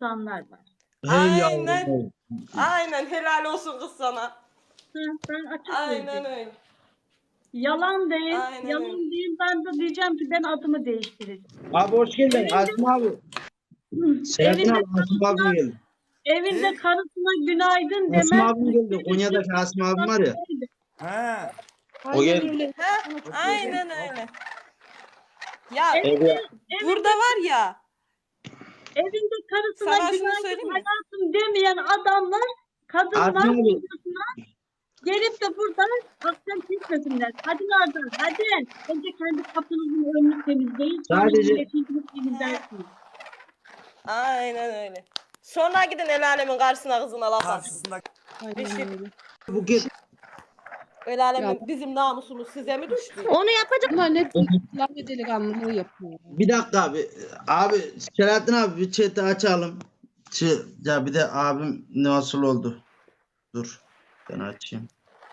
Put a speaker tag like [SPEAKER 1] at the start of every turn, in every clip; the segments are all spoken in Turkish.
[SPEAKER 1] kısanlar var.
[SPEAKER 2] Hey
[SPEAKER 3] Aynen.
[SPEAKER 2] yavrum.
[SPEAKER 3] Aynen helal olsun kız sana.
[SPEAKER 1] Hı, ben açık
[SPEAKER 3] Aynen
[SPEAKER 1] söyleyeyim.
[SPEAKER 3] öyle.
[SPEAKER 1] Yalan değil.
[SPEAKER 3] Aynen
[SPEAKER 1] Yalan
[SPEAKER 3] öyle.
[SPEAKER 1] değil. Ben de diyeceğim ki ben adımı değiştireceğim.
[SPEAKER 2] Abi hoş geldin.
[SPEAKER 1] Evinde,
[SPEAKER 2] Asım abi. Selahattin
[SPEAKER 1] evinde
[SPEAKER 2] abi. Asım abim
[SPEAKER 1] karısına,
[SPEAKER 2] geldi.
[SPEAKER 1] evinde karısına günaydın
[SPEAKER 2] Asım
[SPEAKER 1] demez.
[SPEAKER 2] abim geldi. Konya'daki Asım abim var ya.
[SPEAKER 4] He.
[SPEAKER 2] O
[SPEAKER 5] Aynen
[SPEAKER 2] geldi.
[SPEAKER 5] öyle.
[SPEAKER 3] Ha, aynen öyle. Ya
[SPEAKER 1] Evinde,
[SPEAKER 3] burada var ya,
[SPEAKER 1] evinde karısına
[SPEAKER 3] sana şunu
[SPEAKER 1] günaydın
[SPEAKER 3] söyleyeyim mi?
[SPEAKER 1] hayatım demeyen adamlar, kadınlar
[SPEAKER 2] Asım abi.
[SPEAKER 1] kocasına gelip de buradan akşam pişmesinler. Hadi Nazan, hadi. Önce kendi kapınızın önünü temizleyin. Sonra
[SPEAKER 2] Sadece-
[SPEAKER 1] milletinizin temizlersiniz.
[SPEAKER 3] Aynen öyle. Sonra gidin el alemin karşısına kızına laf atın.
[SPEAKER 4] Karşısında
[SPEAKER 5] Aynen
[SPEAKER 3] şey-
[SPEAKER 5] öyle.
[SPEAKER 2] Bu kez
[SPEAKER 3] El alemin bizim namusumuz size mi düştü?
[SPEAKER 6] Onu yapacak.
[SPEAKER 5] Bunlar ne lafı delikanlılığı yapıyor.
[SPEAKER 2] bir dakika abi. Abi Selahattin abi bir chat'i açalım. Ya bir de abim nasıl oldu? Dur. Ben açayım.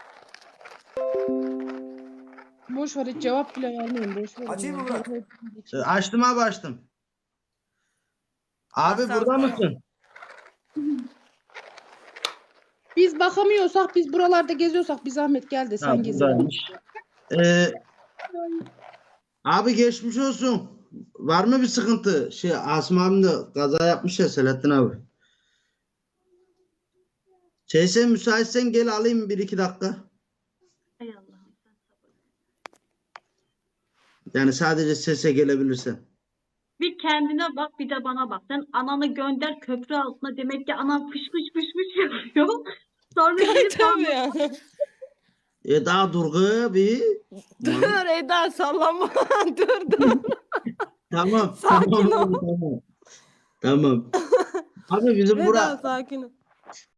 [SPEAKER 5] Boş ver hiç cevap bile vermeyin. Boş ver.
[SPEAKER 4] Açayım mı Burak?
[SPEAKER 2] Açtım abi açtım. Abi
[SPEAKER 3] Açsam
[SPEAKER 2] burada
[SPEAKER 3] sana.
[SPEAKER 2] mısın?
[SPEAKER 5] Biz bakamıyorsak, biz buralarda geziyorsak bir zahmet gel de
[SPEAKER 2] Ha,
[SPEAKER 5] sen gez.
[SPEAKER 2] buradaymış. Abi geçmiş olsun. Var mı bir sıkıntı? Asım abim de kaza yapmış ya Selahattin abi. Sen müsaitsen gel alayım 1-2 dakika.
[SPEAKER 1] Ey Allah'ım.
[SPEAKER 2] Yani sadece sese gelebilirsen.
[SPEAKER 1] Bir kendine bak, bir de bana bak. Sen ananı gönder köprü altına. Demek ki anan fış fış fış fış yapıyor. Sonra gelip
[SPEAKER 3] Tabii ya.
[SPEAKER 2] Daha durgu bir.
[SPEAKER 3] Dur Eda sallama. Dur.
[SPEAKER 2] Tamam.
[SPEAKER 3] Sakin
[SPEAKER 2] tamam,
[SPEAKER 3] ol.
[SPEAKER 2] Tamam. Tamam. Abi bizim
[SPEAKER 3] Eda
[SPEAKER 2] bura
[SPEAKER 3] sakin ol.